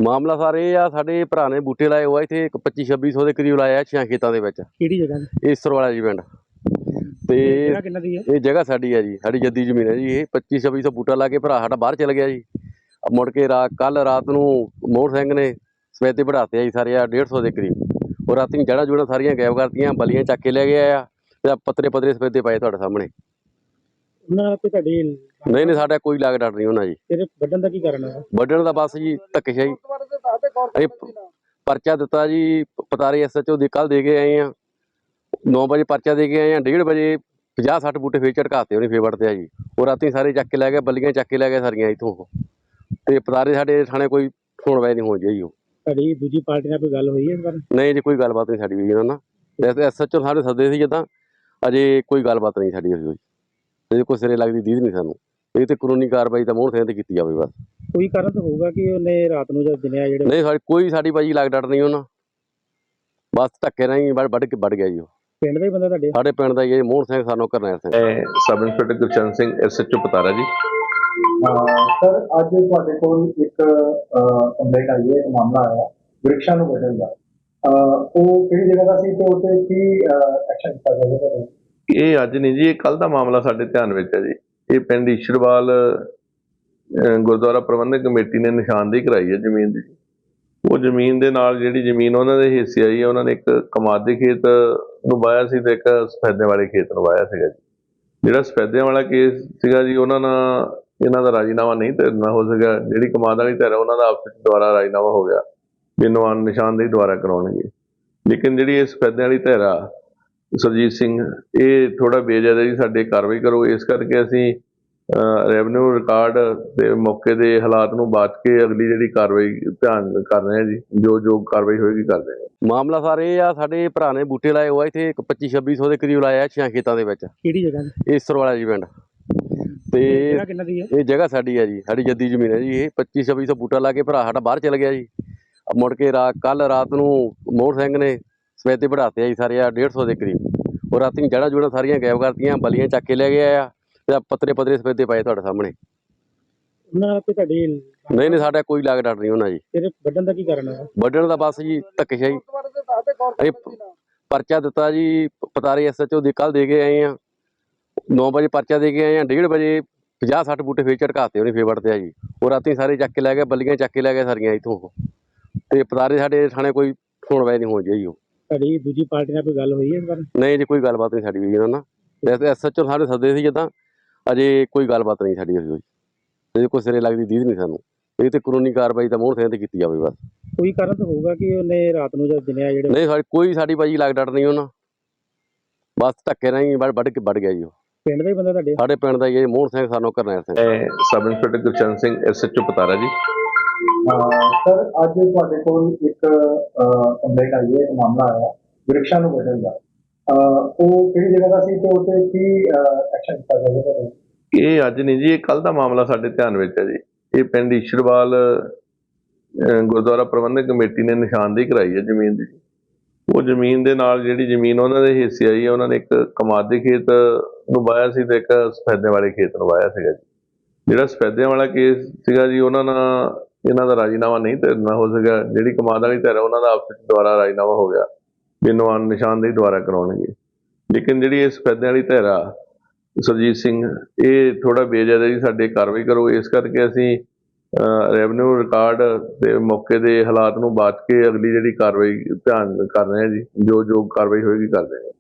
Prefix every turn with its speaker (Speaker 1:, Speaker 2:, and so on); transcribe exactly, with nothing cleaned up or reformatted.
Speaker 1: ਮਾਮਲਾ ਸਰ ਇਹ ਆ, ਸਾਡੇ ਭਰਾ ਨੇ ਬੂਟੇ ਲਾਏ ਹੋਏ ਇੱਥੇ ਪੱਚੀ ਛੱਬੀ ਸੌ ਦੇ ਕਰੀਬ ਲਾਇਆ ਛਿਆਂ ਖੇਤਾਂ ਦੇ ਵਿੱਚ।
Speaker 2: ਕਿਹੜੀ ਜਗ੍ਹਾ ਤੇ?
Speaker 1: ਈਸਰ ਵਾਲਾ ਜੀ ਪਿੰਡ। ਤੇ
Speaker 2: ਜਗ੍ਹਾ ਕਿੰਨਾ ਦੀ ਹੈ?
Speaker 1: ਇਹ ਜਗ੍ਹਾ ਸਾਡੀ ਹੈ ਜੀ, ਸਾਡੀ ਜੱਦੀ ਜ਼ਮੀਨ ਹੈ ਜੀ। ਇਹ ਪੱਚੀ ਛੱਬੀ ਸੌ ਬੂਟਾ ਲਾ ਕੇ ਭਰਾ ਸਾਡਾ ਬਾਹਰ ਚਲ ਗਿਆ ਜੀ। ਮੁੜ ਕੇ ਰਾਤ ਕੱਲ ਰਾਤ ਨੂੰ ਮੋਹਰ ਸਿੰਘ ਨੇ ਸਵੇਤੇ ਵਧਾਤੇ ਆ ਜੀ ਸਾਰੇ ਆ ਡੇਢ ਸੌ ਦੇ ਕਰੀਬ। ਉਹ ਰਾਤੀ ਜੜ੍ਹਾਂ ਜੁੜਾਂ ਸਾਰੀਆਂ ਗਾਇਬ ਕਰਤੀਆਂ, ਬਲੀਆਂ ਚੱਕ ਕੇ ਲੈ ਗਏ ਆ ਤੇ ਪੱਤਰੇ ਪੱਤਰੇ ਸਵੇਤੇ ਪਏ ਤੁਹਾਡੇ ਸਾਹਮਣੇ।
Speaker 2: ਉਹਨਾਂ ਤੇ ਤੁਹਾਡੀ
Speaker 1: ਨਹੀਂ ਨਹੀਂ ਸਾਡਾ ਕੋਈ ਲਾਗ ਡਾਟ ਨਹੀਂ ਉਹਨਾਂ ਜੀ।
Speaker 2: ਤੇਰੇ ਵੱਢਣ ਦਾ ਕੀ ਕਾਰਨ ਹੈ?
Speaker 1: ਵੱਢਣ ਦਾ ਬਸ ਜੀ ਧੱਕੇਸ਼ਾਹੀ। ਅਸੀਂ ਪਰਚਾ ਦਿੱਤਾ ਜੀ ਪਤਾਰੇ ਐਸ ਐਚ ਓ ਦੇ, ਕੱਲ੍ਹ ਦੇ ਕੇ ਆਏ ਆ। ਨੌ ਵਜੇ ਪਰਚਾ ਦੇ ਕੇ ਆਏ ਆ, ਡੇਢ ਵਜੇ ਪੰਜਾਹ ਸੱਠ ਬੂਟੇ ਫੇਰ ਝਟਕਾਤੇ ਉਹਨੇ, ਫੇਰ ਵੜਤੇ ਆ ਜੀ। ਉਹ ਰਾਤੀ ਸਾਰੇ ਚੱਕ ਕੇ ਲੈ ਗਏ, ਬੱਲੀਆਂ ਚੱਕ ਕੇ ਲੈ ਗਏ ਸਾਰੀਆਂ ਇੱਥੋਂ। ਤੇ ਪਤਾਰੇ ਸਾਡੇ ਥਾਣੇ ਕੋਈ ਸੁਣਵਾਈ ਨਹੀਂ ਹੋ ਜਾਈ। ਉਹ
Speaker 2: ਤੁਹਾਡੀ ਦੂਜੀ ਪਾਰਟੀ ਨਾਲ ਕੋਈ ਗੱਲ ਹੋਈ ਹੈ ਇਸ ਬਾਰੇ?
Speaker 1: ਨਹੀਂ ਜੀ, ਕੋਈ ਗੱਲਬਾਤ ਨਹੀਂ ਸਾਡੀ ਹੋਈ ਇਹਨਾਂ ਨਾਲ। ਐਸ ਐਚ ਓ ਸਾਡੇ ਸੱਦੇ ਸੀ ਜਿੱਦਾਂ, ਅਜੇ ਕੋਈ ਗੱਲਬਾਤ ਨਹੀਂ ਸਾਡੀ ਹੋਈ। ਅਜੇ ਕੋਈ ਸਿਰੇ ਲੱਗਦੀ ਦੀਦ ਨਹੀਂ ਸਾਨੂੰ। ਇਹ ਤੇ ਕਾਨੂੰਨੀ ਕਾਰਵਾਈ ਤਾਂ ਮੋਹਰ ਸਿੰਘ ਤੇ ਕੀਤੀ ਜਾਵੇ ਬਸ।
Speaker 2: ਕੋਈ ਕਾਰਨ ਤਾਂ ਹੋਊਗਾ ਕਿ ਉਹਨੇ ਰਾਤ ਨੂੰ ਜਦ ਦਿਨੇ ਆ ਜਿਹੜੇ?
Speaker 1: ਨਹੀਂ ਸਾਡੀ ਕੋਈ ਸਾਡੀ ਭਾਜੀ ਲੱਗ ਡਟ ਨਹੀਂ ਉਹਨਾਂ, ਬਸ ਧੱਕੇ ਨਾਲ ਹੀ ਵੱਢ ਵੱਢ ਕੇ ਵੱਢ ਗਿਆ ਜੀ। ਉਹ
Speaker 2: ਪਿੰਡ ਦੇ ਹੀ ਬੰਦਾ ਤੁਹਾਡੇ?
Speaker 1: ਸਾਡੇ ਪਿੰਡ ਦਾ ਹੀ ਹੈ ਮੋਹਨ ਸਿੰਘ, ਸਾਨੂੰ Karnail Singh.
Speaker 3: Sub inspector Gurcharan Singh, S H O Patara ji.
Speaker 4: Sir ਅੱਜ ਤੁਹਾਡੇ ਕੋਲ ਇੱਕ ਕੰਪਲੇਂਟ ਆਈ ਹੈ, ਇੱਕ ਮਾਮਲਾ ਆਇਆ ਵ੍ਰਿਕਸ਼ਾਂ ਨੂੰ ਵੱਢਣ ਦਾ। ਉਹ ਕਿਹੜੀ ਜਗ੍ਹਾ ਦਾ ਸੀ ਤੇ ਉੱਤੇ ਕੀ ਐਕਸ਼ਨ ਕੀਤਾ ਜਾਵੇਗਾ?
Speaker 3: ਇਹ ਅੱਜ ਨਹੀਂ ਜੀ, ਇਹ ਕੱਲ ਦਾ ਮਾਮਲਾ ਸਾਡੇ ਧਿਆਨ ਵਿੱਚ ਹੈ ਜੀ। ਇਹ ਪਿੰਡ ਈਸ਼ਰਵਾਲ ਗੁਰਦੁਆਰਾ ਪ੍ਰਬੰਧਕ ਕਮੇਟੀ ਨੇ ਨਿਸ਼ਾਨਦੇਹੀ ਕਰਾਈ ਹੈ ਜ਼ਮੀਨ ਦੀ। ਉਹ ਜ਼ਮੀਨ ਦੇ ਨਾਲ ਜਿਹੜੀ ਜ਼ਮੀਨ ਉਹਨਾਂ ਦੇ ਹਿੱਸੇ ਆਈ ਹੈ, ਉਹਨਾਂ ਨੇ ਇੱਕ ਕਮਾਦ ਦੇ ਖੇਤ ਨੂੰ ਵਾਇਆ ਸੀ ਤੇ ਇੱਕ ਸਫੈਦਿਆਂ ਵਾਲੇ ਖੇਤ ਨੂੰ ਵਾਇਆ ਸੀਗਾ ਜੀ। ਜਿਹੜਾ ਸਫੈਦਿਆਂ ਵਾਲਾ ਕੇਸ ਸੀਗਾ ਜੀ, ਉਹਨਾਂ ਨਾਲ ਇਹਨਾਂ ਦਾ ਰਾਜੀਨਾਮਾ ਨਹੀਂ ਤੈਰਨਾ ਹੋ ਸਕਿਆ। ਜਿਹੜੀ ਕਮਾਦ ਵਾਲੀ ਧਿਰ ਉਹਨਾਂ ਦਾ ਆਪਸ ਵਿੱਚ ਦੁਬਾਰਾ ਰਾਜੀਨਾਮਾ ਹੋ ਗਿਆ ਵੀ ਇਹਨੂੰ ਨਿਸ਼ਾਨਦੇਹੀ ਦੁਬਾਰਾ ਕਰਾਉਣਗੇ। ਲੇਕਿਨ ਜਿਹੜੀ ਇਹ ਸਫੈਦਿਆਂ ਵਾਲੀ ਧਿਰ ਆ ਸੁਰਜੀਤ ਸਿੰਘ, ਇਹ ਥੋੜਾ ਬੇਜਾਇਜ਼ ਜੀ, ਸਾਡੇ ਕਾਰਵਾਈ ਕਰੋ। ਇਸ ਕਰਕੇ ਅਸੀਂ ਰੈਵਨਿਊ ਰਿਕਾਰਡ ਦੇ ਮੌਕੇ ਦੇ ਹਾਲਾਤ ਨੂੰ ਬਾਤ ਕੇ ਅਗਲੀ ਜਿਹੜੀ ਕਾਰਵਾਈ ਧਿਆਨ ਕਰ ਰਹੇ ਹਾਂ ਜੀ। ਜੋ ਜੋ ਕਾਰਵਾਈ ਹੋਏਗੀ ਕਰਦੇ ਹਾਂ।
Speaker 1: ਮਾਮਲਾ ਸਰ ਇਹ ਆ, ਸਾਡੇ ਭਰਾ ਨੇ ਬੂਟੇ ਲਾਏ ਹੋਏ ਇੱਥੇ ਪੱਚੀ ਛੱਬੀ ਸੌ ਦੇ ਕਰੀਬ ਲਾਇਆ ਛਿਆਂ ਖੇਤਾਂ ਦੇ ਵਿੱਚ।
Speaker 2: ਕਿਹੜੀ ਜਗ੍ਹਾ ਤੇ?
Speaker 1: ਈਸਰ ਵਾਲਾ ਜੀ ਪਿੰਡ। ਤੇ
Speaker 2: ਜਗ੍ਹਾ ਕਿੰਨਾ ਦੀ ਹੈ?
Speaker 1: ਇਹ ਜਗ੍ਹਾ ਸਾਡੀ ਹੈ ਜੀ, ਸਾਡੀ ਜੱਦੀ ਜ਼ਮੀਨ ਹੈ ਜੀ। ਇਹ ਪੱਚੀ ਛੱਬੀ ਸੌ ਬੂਟਾ ਲਾ ਕੇ ਭਰਾ ਸਾਡਾ ਬਾਹਰ ਚਲ ਗਿਆ ਜੀ। ਮੁੜ ਕੇ ਰਾਤ ਕੱਲ ਰਾਤ ਨੂੰ ਮੋਹਰ ਸਿੰਘ ਨੇ ਸਵੇਤੇ ਵਧਾਤੇ ਆ ਜੀ ਸਾਰੇ ਆ ਡੇਢ ਸੌ ਦੇ ਕਰੀਬ। ਉਹ ਰਾਤੀ ਜੜ੍ਹਾਂ ਜੁੜਾਂ ਸਾਰੀਆਂ ਗਾਇਬ ਕਰਤੀਆਂ, ਬਲੀਆਂ ਚੱਕ ਕੇ ਲੈ ਗਏ ਆ ਤੇ ਪੱਤਰੇ ਪੱਤਰੇ ਸਵੇਤੇ ਪਏ ਤੁਹਾਡੇ ਸਾਹਮਣੇ।
Speaker 2: ਉਹਨਾਂ ਤੇ ਤੁਹਾਡੀ
Speaker 1: ਨਹੀਂ ਨਹੀਂ ਸਾਡਾ ਕੋਈ ਲਾਗ ਡਾਟ ਨਹੀਂ ਉਹਨਾਂ ਜੀ।
Speaker 2: ਤੇਰੇ ਵੱਢਣ ਦਾ ਕੀ ਕਾਰਨ ਹੈ?
Speaker 1: ਵੱਢਣ ਦਾ ਬਸ ਜੀ ਧੱਕੇਸ਼ਾਹੀ। ਅਸੀਂ ਪਰਚਾ ਦਿੱਤਾ ਜੀ ਪਤਾਰੇ ਐਸ ਐਚ ਓ ਦੇ, ਕੱਲ੍ਹ ਦੇ ਕੇ ਆਏ ਆ। ਨੌ ਵਜੇ ਪਰਚਾ ਦੇ ਕੇ ਆਏ ਆ, ਡੇਢ ਵਜੇ ਪੰਜਾਹ ਸੱਠ ਬੂਟੇ ਫੇਰ ਝਟਕਾਤੇ ਉਹਨੇ, ਫੇਰ ਵੜਤੇ ਆ ਜੀ। ਉਹ ਰਾਤੀ ਸਾਰੇ ਚੱਕ ਕੇ ਲੈ ਗਏ, ਬੱਲੀਆਂ ਚੱਕ ਕੇ ਲੈ ਗਏ ਸਾਰੀਆਂ ਇੱਥੋਂ। ਤੇ ਪਤਾਰੇ ਸਾਡੇ ਥਾਣੇ ਕੋਈ ਸੁਣਵਾਈ ਨਹੀਂ ਹੋ ਜਾਈ। ਉਹ
Speaker 2: ਤੁਹਾਡੀ ਦੂਜੀ ਪਾਰਟੀ ਨਾਲ ਕੋਈ ਗੱਲ ਹੋਈ ਹੈ ਇਸ ਬਾਰੇ? ਨਹੀਂ
Speaker 1: ਜੀ, ਕੋਈ ਗੱਲਬਾਤ ਨਹੀਂ ਸਾਡੀ ਹੋਈ ਇਹਨਾਂ ਨਾਲ। ਐਸ ਐਚ ਓ ਸਾਡੇ ਸੱਦੇ ਸੀ ਜਿੱਦਾਂ, ਅਜੇ ਕੋਈ ਗੱਲਬਾਤ ਨਹੀਂ ਸਾਡੀ ਹੋਈ। ਅਜੇ ਕੋਈ ਸਿਰੇ ਲੱਗਦੀ ਦੀਦ ਨਹੀਂ ਸਾਨੂੰ। ਇਹ ਤੇ ਕਾਨੂੰਨੀ ਕਾਰਵਾਈ ਤਾਂ ਮੋਹਰ ਸਿੰਘ ਤੇ ਕੀਤੀ ਜਾਵੇ ਬਸ।
Speaker 2: ਕੋਈ ਕਾਰਨ ਤਾਂ ਹੋਊਗਾ ਕਿ ਉਹਨੇ ਰਾਤ ਨੂੰ ਜਦ ਦਿਨੇ ਆ ਜਿਹੜੇ?
Speaker 1: ਨਹੀਂ ਸਾਡੀ ਕੋਈ ਸਾਡੀ ਭਾਜੀ ਲੱਗ ਡਟ ਨਹੀਂ ਉਹਨਾਂ, ਬਸ ਧੱਕੇ ਨਾਲ ਹੀ ਵੱਢ ਵੱਢ ਕੇ ਵੱਢ ਗਿਆ ਜੀ। ਉਹ
Speaker 2: ਪਿੰਡ ਦੇ ਹੀ ਬੰਦਾ ਤੁਹਾਡੇ?
Speaker 1: ਸਾਡੇ ਪਿੰਡ ਦਾ ਹੀ ਹੈ ਮੋਹਨ ਸਿੰਘ, ਸਾਨੂੰ Karnail Singh.
Speaker 3: Sub inspector Gurcharan Singh, S H O Patara ji.
Speaker 4: Sir ਅੱਜ ਤੁਹਾਡੇ ਕੋਲ ਇੱਕ ਕੰਪਲੇਂਟ ਆਈ ਹੈ, ਇੱਕ ਮਾਮਲਾ ਆਇਆ ਵ੍ਰਿਕਸ਼ਾਂ ਨੂੰ ਵੱਢਣ ਦਾ। ਉਹ ਕਿਹੜੀ ਜਗ੍ਹਾ ਦਾ ਸੀ ਤੇ ਉੱਤੇ ਕੀ ਐਕਸ਼ਨ ਕੀਤਾ ਜਾਵੇਗਾ?
Speaker 3: ਇਹ ਅੱਜ ਨਹੀਂ ਜੀ, ਇਹ ਕੱਲ ਦਾ ਮਾਮਲਾ ਸਾਡੇ ਧਿਆਨ ਵਿੱਚ ਹੈ ਜੀ। ਇਹ ਪਿੰਡ ਈਸ਼ਰਵਾਲ ਗੁਰਦੁਆਰਾ ਪ੍ਰਬੰਧਕ ਕਮੇਟੀ ਨੇ ਨਿਸ਼ਾਨਦੇਹੀ ਕਰਾਈ ਹੈ ਜ਼ਮੀਨ ਦੀ। ਉਹ ਜ਼ਮੀਨ ਦੇ ਨਾਲ ਜਿਹੜੀ ਜ਼ਮੀਨ ਉਹਨਾਂ ਦੇ ਹਿੱਸੇ ਆਈ ਹੈ, ਉਹਨਾਂ ਨੇ ਇੱਕ ਕਮਾਦ ਦੇ ਖੇਤ ਨੂੰ ਵਾਇਆ ਸੀ ਤੇ ਇੱਕ ਸਫੈਦਿਆਂ ਵਾਲੇ ਖੇਤ ਨੂੰ ਵਾਇਆ ਸੀਗਾ ਜੀ। ਜਿਹੜਾ ਸਫੈਦਿਆਂ ਵਾਲਾ ਕੇਸ ਸੀਗਾ ਜੀ, ਉਹਨਾਂ ਨਾਲ ਇਹਨਾਂ ਦਾ ਰਾਜੀਨਾਮਾ ਨਹੀਂ ਤੈਰਨਾ ਹੋ ਸਕਿਆ। ਜਿਹੜੀ ਕਮਾਦ ਵਾਲੀ ਧਿਰ ਉਹਨਾਂ ਦਾ ਆਪਸ ਵਿੱਚ ਦੁਬਾਰਾ ਰਾਜੀਨਾਮਾ ਹੋ ਗਿਆ ਵੀ ਇਹਨੂੰ ਨਿਸ਼ਾਨਦੇਹੀ ਦੁਬਾਰਾ ਕਰਾਉਣਗੇ। ਲੇਕਿਨ ਜਿਹੜੀ ਇਹ ਸਫੈਦਿਆਂ ਵਾਲੀ ਧਿਰ ਆ ਸੁਰਜੀਤ ਸਿੰਘ, ਇਹ ਥੋੜਾ ਬੇਜਾਇਜ਼ ਜੀ, ਸਾਡੇ ਕਾਰਵਾਈ ਕਰੋ। ਇਸ ਕਰਕੇ ਅਸੀਂ ਰੈਵਨਿਊ ਰਿਕਾਰਡ ਦੇ ਮੌਕੇ ਦੇ ਹਾਲਾਤ ਨੂੰ ਬਾਤ ਕੇ ਅਗਲੀ ਜਿਹੜੀ ਕਾਰਵਾਈ ਧਿਆਨ ਕਰ ਰਹੇ ਹਾਂ ਜੀ। ਜੋ ਜੋ ਕਾਰਵਾਈ ਹੋਏਗੀ ਕਰਦੇ ਹਾਂ।